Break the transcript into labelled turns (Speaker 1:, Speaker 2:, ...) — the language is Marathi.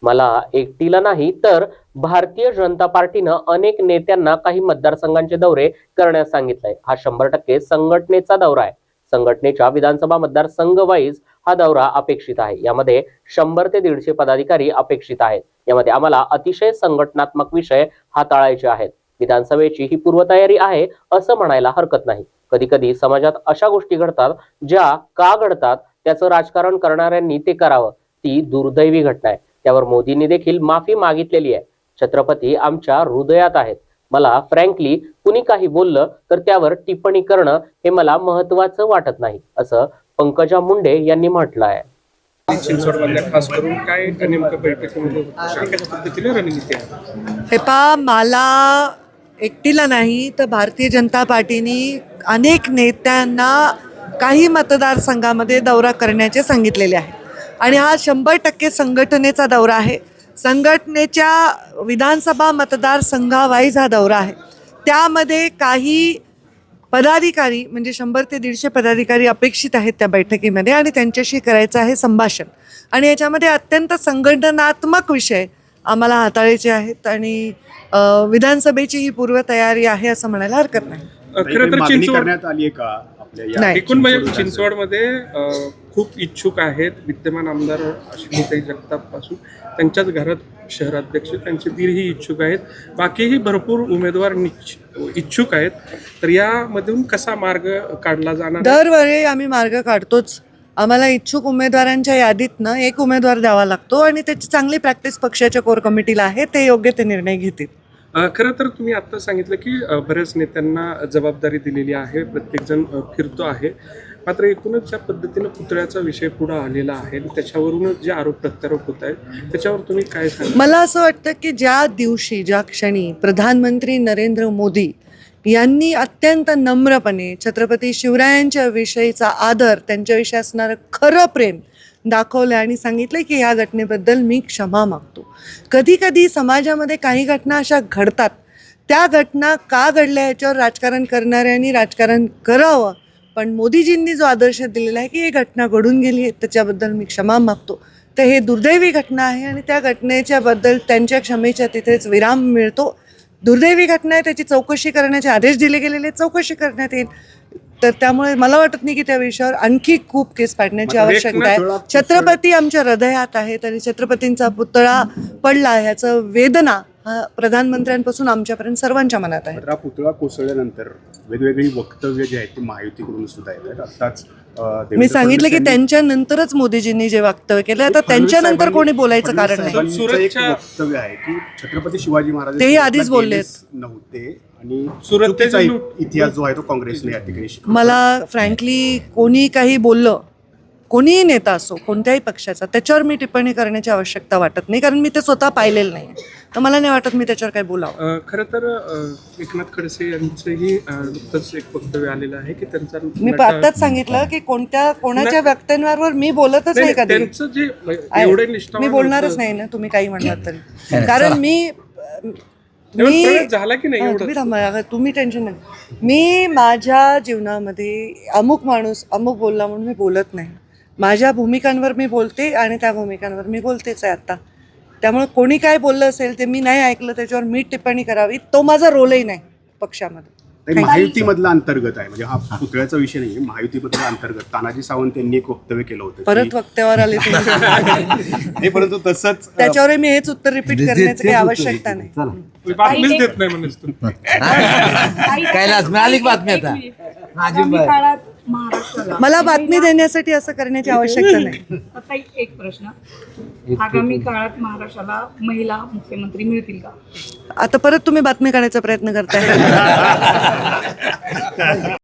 Speaker 1: मला एकटीला नाही तर भारतीय जनता पार्टीनं अनेक नेत्यांना काही मतदारसंघांचे दौरे करण्यास सांगितलंय। हा 100% संघटनेचा दौरा आहे। संघटनेच्या विधानसभा मतदारसंघ वाईज हा दौरा अपेक्षित आहे। यामध्ये 100 ते 150 पदाधिकारी अपेक्षित आहेत। यामध्ये आम्हाला अतिशय संघटनात्मक विषय हाताळायचे आहेत। विधानसभेची ही पूर्वतयारी आहे असं म्हणायला हरकत नाही। कधी कधी समाजात अशा गोष्टी घडतात ज्या का घडतात त्याचं राजकारण करणाऱ्यांनी ते करावं, ती दुर्दैवी घटना आहे। त्यावर मोदींनी देखील माफी मागितलेली आहे। छत्रपती आमच्या हृदयात आहेत। मला फ्रँकली कुणी काही बोललं तर त्यावर टिप्पणी करणं हे मला महत्त्वाचं वाटत नाही असं पंकजा मुंडे यांनी म्हटलं आहे।
Speaker 2: चिंचवडमधल्या खास करून काय नेमकं बैठकीमध्ये कशा पद्धतीने रणनीती आहे?
Speaker 3: हे पहा, मला एकटीला नाही तर भारतीय जनता पार्टीने अनेक नेत्यांना काही मतदारसंघामध्ये दौरा करण्याचे सांगितलेले आहे आणि हा 100% संघटनेचा दौरा आहे। संघटनेच्या विधानसभा मतदारसंघावाईज हा दौरा आहे। त्यामध्ये काही पदाधिकारी म्हणजे 100 ते 150 पदाधिकारी अपेक्षित आहेत त्या बैठकीमध्ये आणि त्यांच्याशी करायचं आहे संभाषण आणि याच्यामध्ये अत्यंत संघटनात्मक विषय आम्हाला हाताळायचे आहेत आणि विधानसभेची ही पूर्वतयारी आहे असं म्हणायला हरकत नाही।
Speaker 2: खरं तर चिंचवड
Speaker 4: करण्यात आली आहे का आपल्या
Speaker 2: या एकूण म्हणजे चिंचवडमध्ये खूप इच्छुक आहेत। विद्यमान आमदार अश्विनीताई जगताप पासून त्यांच्याच घरात शहराध्यक्ष त्यांचे दीरही इच्छुक आहेत। बाकीही भरपूर उमेदवार इच्छुक आहेत। तर यामधून कसा मार्ग काढला जाणार?
Speaker 3: दरवेळी आम्ही मार्ग काढतोच। आम्हाला इच्छुक उमेदवारांच्या यादीतनं एक उमेदवार द्यावा लागतो आणि त्याची चांगली प्रॅक्टिस पक्षाच्या कोर कमिटीला आहे, ते योग्य ते निर्णय घेतील।
Speaker 2: खरं तर तुम्ही आता सांगितलं की बऱ्याच नेत्यांना जबाबदारी दिलेली आहे, प्रत्येक जण फिरतो आहे, मात्र एकूणच ज्या पद्धतीनं पुतळ्याचा विषय पुढे आलेला आहे त्याच्यावरूनच जे आरोप प्रत्यारोप होत आहेत त्याच्यावर तुम्ही काय सांगा?
Speaker 3: मला असं वाटतं की ज्या दिवशी ज्या क्षणी प्रधानमंत्री नरेंद्र मोदी यांनी अत्यंत नम्रपणे छत्रपती शिवरायांच्या विषयीचा आदर, त्यांच्याविषयी असणारं खरं प्रेम दाखवलं आणि सांगितलं की ह्या घटनेबद्दल मी क्षमा मागतो। कधी कधी समाजामध्ये काही घटना अशा घडतात, त्या घटना का घडल्या याच्यावर राजकारण करणाऱ्यांनी राजकारण करावं, पण मोदीजींनी जो आदर्श दिलेला आहे की ही घटना घडून गेली आहे त्याच्याबद्दल मी क्षमा मागतो, तर हे दुर्दैवी घटना आहे आणि त्या घटनेच्याबद्दल त्यांच्या क्षमेच्या तिथेच विराम मिळतो। दुर्दैवी घटना आहे, त्याची चौकशी करण्याचे आदेश दिले गेलेले, चौकशी करण्यात येईल। तर त्यामुळे मला वाटत नाही की त्या विषयावर आणखी खूप केस पाडण्याची आवश्यकता आहे। छत्रपती आमच्या हृदयात आहेत आणि छत्रपतींचा पुतळा पडला ह्याचं वेदना हा प्रधानमंत्र्यांपासून आमच्यापर्यंत सर्वांच्या मनात आहे।
Speaker 4: हा पुतळा कोसळल्यानंतर वेगवेगळी वक्तव्य जी आहेत ती महायुतीकडून सुद्धा येत आहेत। आताच
Speaker 3: मी सांगितलं की त्यांच्यानंतरच मोदीजींनी जे वक्तव्य केलं, आता त्यांच्यानंतर कोणी बोलायचं कारण नाही।
Speaker 4: वक्तव्य आहे की छत्रपती शिवाजी महाराज
Speaker 3: तेही आधीच बोलले
Speaker 4: नव्हते आणि सुरतेचा इतिहास जो आहे तो काँग्रेसने या ठिकाणी शिकवला।
Speaker 3: मला फ्रँकली कोणी काही बोललं, कोणीही नेता असो कोणत्याही पक्षाचा, त्याच्यावर मी टिप्पणी करण्याची आवश्यकता वाटत नाही, कारण मी ते स्वतः पाहिलेलं नाही, तर मला नाही वाटत मी त्याच्यावर काही बोलावं।
Speaker 2: खरं तर एकनाथ खडसे यांचंही नुकतंच एक वक्तव्य आलेलं आहे की त्यांचा
Speaker 3: मी आत्ताच सांगितलं की कोणाच्या व्यक्तींवर मी बोलतच नाही कधी,
Speaker 2: त्यांचं जे एवढे निष्ठावान
Speaker 3: मी बोलणारच नाही ना, तुम्ही काही म्हणलात तरी, कारण मी
Speaker 2: झाला की नाही
Speaker 3: तुम्ही टेन्शन नाही। मी माझ्या जीवनामध्ये अमुक माणूस अमुक बोलला म्हणून मी बोलत नाही। माझ्या भूमिकांवर मी बोलते आणि त्या भूमिकांवर मी बोलतेच आहे आता। त्यामुळे कोणी काय बोललं असेल ते मी नाही ऐकलं, त्याच्यावर मी टिप्पणी करावी, तो माझा रोलही नाही पक्षामध्ये।
Speaker 4: महायुतीमधला अंतर्गत आहे, म्हणजे हा पुतळ्याचा विषय नाही, महायुतीमधला अंतर्गत तानाजी सावंत यांनी एक वक्तव्य केलं होतं।
Speaker 3: परत वक्त्यावर आले
Speaker 4: नाही, परंतु तसंच
Speaker 3: त्याच्यावर मी हेच उत्तर रिपीट करण्याची काही आवश्यकता नाही।
Speaker 2: बातमीच देत नाही म्हणून
Speaker 5: कैलास मिळाली बातमी आता
Speaker 3: मला बातमी देण्यासाठी असं करण्याची आवश्यकता नाही।
Speaker 6: आता एक प्रश्न, आगामी काळात महाराष्ट्राला महिला मुख्यमंत्री मिळतील का?
Speaker 3: आता परत तुम्ही बातमी काढायचा प्रयत्न करताय।